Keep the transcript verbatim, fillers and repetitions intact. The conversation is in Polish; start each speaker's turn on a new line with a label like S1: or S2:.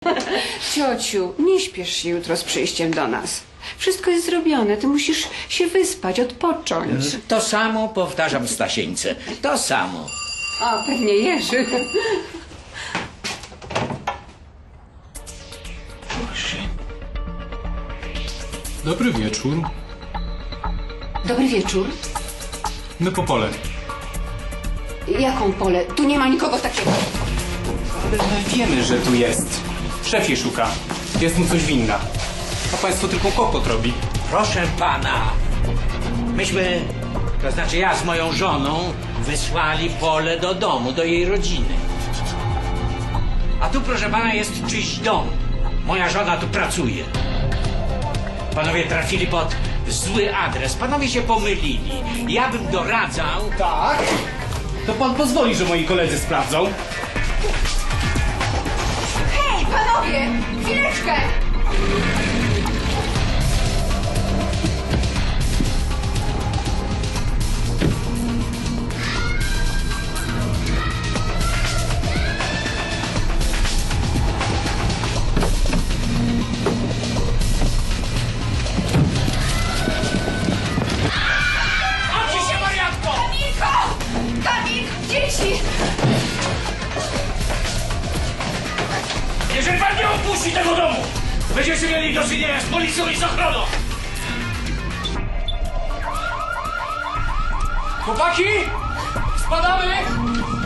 S1: Ciociu, nie śpiesz się jutro z przyjściem do nas. Wszystko jest zrobione, ty musisz się wyspać, odpocząć.
S2: To samo powtarzam Stasieńce. To samo.
S1: O, pewnie Jerzy.
S3: Dobry wieczór.
S1: Dobry wieczór.
S3: My po pole.
S1: Jaką pole? Tu nie ma nikogo takiego.
S3: Ale my wiemy, że tu jest. Szef jej szuka. Jest mu coś winna. A państwo tylko kłopot robi.
S2: Proszę pana. Myśmy, to znaczy ja z moją żoną, wysłali Polę do domu, do jej rodziny. A tu, proszę pana, jest czyjś dom. Moja żona tu pracuje. Panowie trafili pod zły adres. Panowie się pomylili. Ja bym doradzał...
S3: Tak? To pan pozwoli, że moi koledzy sprawdzą?
S1: Hej, panowie! Chwileczkę!
S2: Odci się, wariatko!
S1: Kamilko! Kamil! Dzieci!
S4: Jeżeli pan nie opuści tego domu, będziecie mieli do czynienia z policją i z ochroną!
S3: Chłopaki! Spadamy!